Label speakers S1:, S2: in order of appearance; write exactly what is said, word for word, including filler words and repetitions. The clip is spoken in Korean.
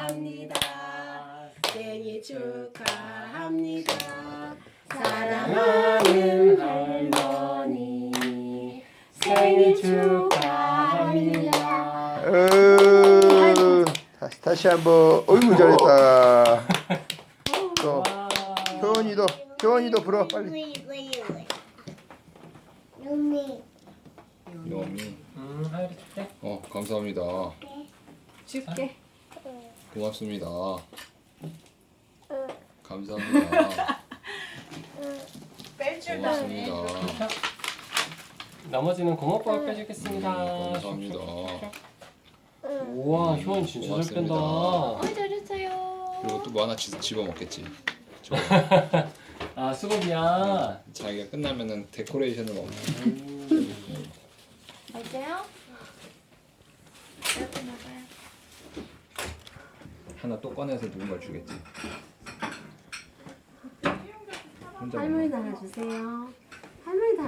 S1: 축하합니다. 생일 축하합니다. 사랑하는 할머니 생일 축하합니다.
S2: 으, 다시 다시 한번. 어이구 잘했다. 또 효원이도 효원이도 불어 빨리.
S3: 눈이
S4: 요미.
S5: 음, 하율이 줄게.
S4: 어 감사합니다.
S1: 줄게.
S4: 고맙습니다. 감사합니다.
S1: 뺄 줄
S4: 고맙습니다.
S5: 나머지는 고모빠가 빼주겠습니다.
S4: 음, 감사합니다.
S5: 우와, 효원 진짜 잘
S4: 고맙습니다.
S5: 뺀다.
S1: 어, 잘했어요.
S4: 그리고 또 뭐 하나 지- 집어 먹겠지. 저
S5: 아, 수고비야.
S4: 자기가 끝나면은 데코레이션을 먹.
S1: 맛있어요? 이렇게 먹어요.
S4: 하나 또 꺼내서 누군가 주겠지. 혼자
S1: 할머니 달아주세요. 할머니 달